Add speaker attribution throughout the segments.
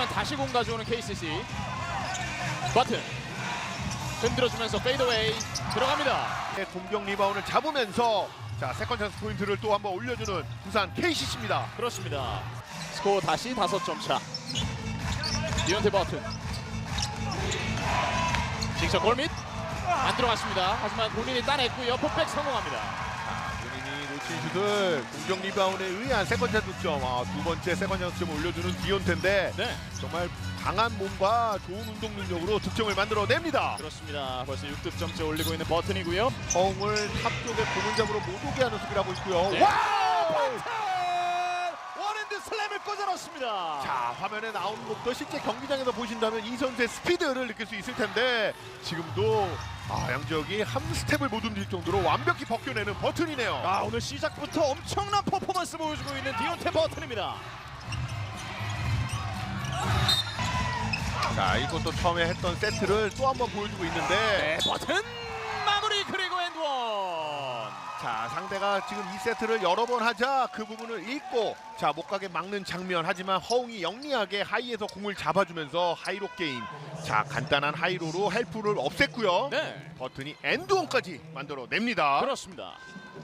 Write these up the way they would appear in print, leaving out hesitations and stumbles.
Speaker 1: 하지만 다시 공 가져오는 KCC. 버튼 흔들어주면서 페이드웨이 들어갑니다.
Speaker 2: 공격 리바운드를 잡으면서 자 세컨 찬스 포인트를 또 한번 올려주는 부산 KCC입니다.
Speaker 1: 그렇습니다. 스코어 다시 5점 차. 디온테 버튼. 직접 골밑 안 들어갔습니다. 하지만 본인이 따냈고요. 폭백 성공합니다.
Speaker 2: 본인이 놓친 슛을 공격 리바운드에 의한 세컨 찬스 득점. 두 번째 세컨 찬스 득점을 올려주는 디온테인데
Speaker 1: 네,
Speaker 2: 정말 강한 몸과 좋은 운동 능력으로 득점을 만들어냅니다.
Speaker 1: 그렇습니다. 벌써 6득점째 올리고 있는 버튼이고요.
Speaker 2: 허웅을 탑 쪽에 고문잡으로 못 오게 하는 수비를 하고 있고요.
Speaker 1: 네.
Speaker 2: 와우!
Speaker 1: 원핸드 슬램을 꽂아 넣습니다.
Speaker 2: 자 화면에 나오는 것도 실제 경기장에서 보신다면 이 선수의 스피드를 느낄 수 있을 텐데 지금도 양지혁이 한 스텝을 못 움직일 정도로 완벽히 벗겨내는 버튼이네요.
Speaker 1: 오늘 시작부터 엄청난 퍼포먼스 보여주고 있는 디온테 버튼입니다.
Speaker 2: 자 이것도 처음에 했던 세트를 또 한번 보여주고 있는데
Speaker 1: 버튼 마무리 그리고 엔드원.
Speaker 2: 자 상대가 지금 이 세트를 여러 번 하자 그 부분을 읽고 자 못 가게 막는 장면. 하지만 허웅이 영리하게 하이에서 공을 잡아주면서 하이로 게임. 자 간단한 하이로로 헬프를 없앴고요.
Speaker 1: 네,
Speaker 2: 버튼이 엔드원까지 만들어냅니다.
Speaker 1: 그렇습니다.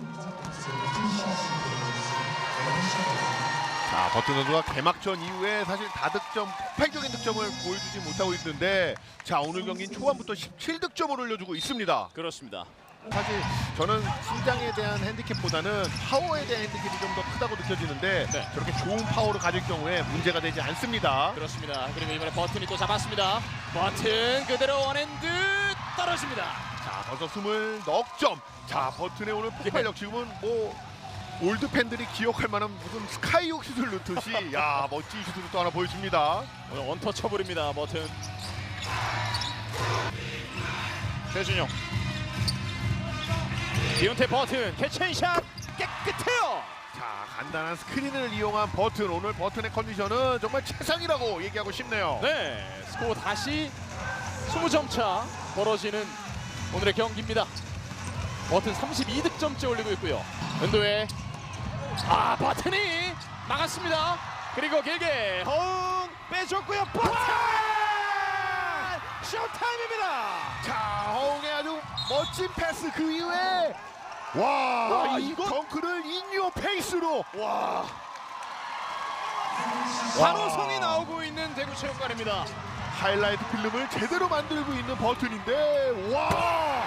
Speaker 2: 자 버튼 선수가 개막전 이후에 사실 다득점 폭발적인 득점을 보여주지 못하고 있는데 자 오늘 경기는 초반부터 17득점을 올려주고 있습니다.
Speaker 1: 그렇습니다.
Speaker 2: 사실 저는 신장에 대한 핸디캡보다는 파워에 대한 핸디캡이 좀 더 크다고 느껴지는데
Speaker 1: 네,
Speaker 2: 저렇게 좋은 파워를 가질 경우에 문제가 되지 않습니다.
Speaker 1: 그렇습니다. 그리고 이번에 버튼이 또 잡았습니다. 버튼 그대로 원핸드 떨어집니다.
Speaker 2: 자 벌써 20넉점. 자 버튼의 오늘 폭발력 지금은 뭐 올드 팬들이 기억할 만한 무슨 스카이옥 슛을 넣듯이 야 멋진 슛을 또 하나 보여줍니다.
Speaker 1: 오늘 원터처블입니다. 버튼. 최준용. 디온테 버튼 캐치앤샷 깨끗해요.
Speaker 2: 자 간단한 스크린을 이용한 버튼. 오늘 버튼의 컨디션은 정말 최상이라고 얘기하고 싶네요.
Speaker 1: 네, 스코어 다시 20점 차 벌어지는 오늘의 경기입니다. 버튼 32득점째 올리고 있고요. 은도에 버튼이 막았습니다. 그리고 길게 허웅 빼줬고요. 버튼 쇼타임입니다.
Speaker 2: 자 허웅의 아주 멋진 패스. 그 이후에 와 이 덩크를 인유어 페이스로
Speaker 1: 환호성이 나오고 있는 대구체육관입니다.
Speaker 2: 하이라이트 필름을 제대로 만들고 있는 버튼인데 와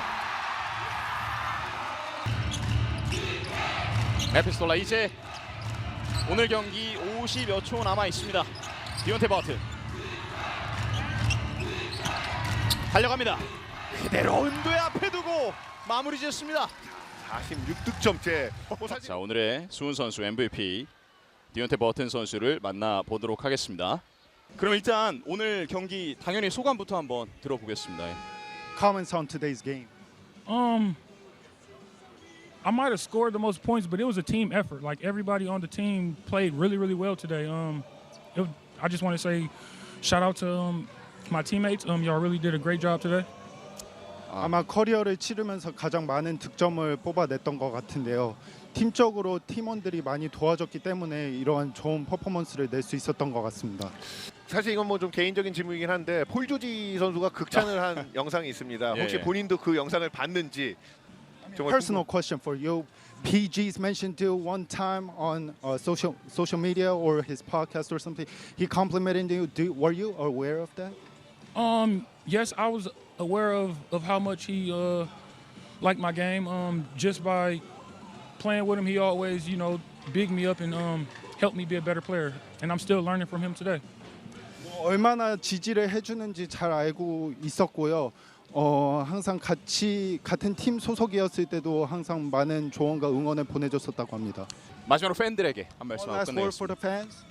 Speaker 1: 에피스톨라 이제 오늘 경기 50여 초 남아 있습니다. 디온테 버튼 달려갑니다. 그대로 은도의 앞에 두고 마무리 지었습니다.
Speaker 2: 46득점째.
Speaker 1: 자 오늘의 수훈 선수 MVP 디온테 버튼 선수를 만나보도록 하겠습니다. 그럼 일단 오늘 경기 당연히 소감부터 한번 들어보겠습니다.
Speaker 3: Comments on today's game.
Speaker 4: I might have scored the most points, but it was a team effort. Like everybody on the team played really, really well today. I just want to say, shout out to my teammates. Y'all really did a great job today.
Speaker 3: 아마 커리어를 치르면서 가장 많은 득점을 뽑아냈던 것 같은데요. 팀적으로 팀원들이 많이 도와줬기 때문에 이러한 좋은 퍼포먼스를 낼 수 있었던 것 같습니다.
Speaker 2: 사실 이건 뭐 좀 개인적인 질문이긴 한데 폴 조지 선수가 극찬을 한 영상이 있습니다. 혹시
Speaker 1: 예.
Speaker 2: 본인도 그 영상을 봤는지. 정말
Speaker 3: Personal question for you. PG's mentioned you one time on social media or his podcast or something. He complimented you. Were you aware of that?
Speaker 4: Yes, I was aware of how much he liked my game. Just by playing with him, he always, bigged me up and helped me be a better player. And I'm still learning from him today.
Speaker 3: 얼마나 지지를 해주는지 잘 알고 있었고요. 항상 같은 팀 소속이었을 때도 항상 많은 조언과 응원을 보내줬었다고 합니다.
Speaker 1: 마지막으로 팬들에게 한 말씀
Speaker 3: One last word for
Speaker 1: 끝내겠습니다.
Speaker 3: the fans.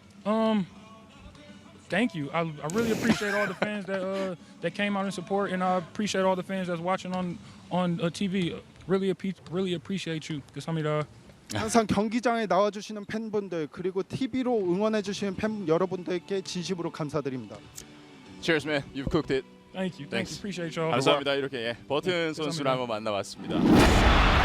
Speaker 4: Thank you. I really appreciate all the fans that came out and support, and I appreciate all the fans that's watching on TV. Really appreciate you. 감사합니다.
Speaker 3: 항상 경기장에 나와주시는 팬분들 그리고 TV로 응원해주시는 팬 여러분들께 진심으로 감사드립니다.
Speaker 1: Cheers, man. You've cooked it.
Speaker 4: Thank you.
Speaker 1: Thanks.
Speaker 4: Appreciate y'all.
Speaker 1: 감사합니다. 이렇게 버튼
Speaker 4: 네,
Speaker 1: 선수를
Speaker 4: 감사합니다.
Speaker 1: 한번 만나봤습니다.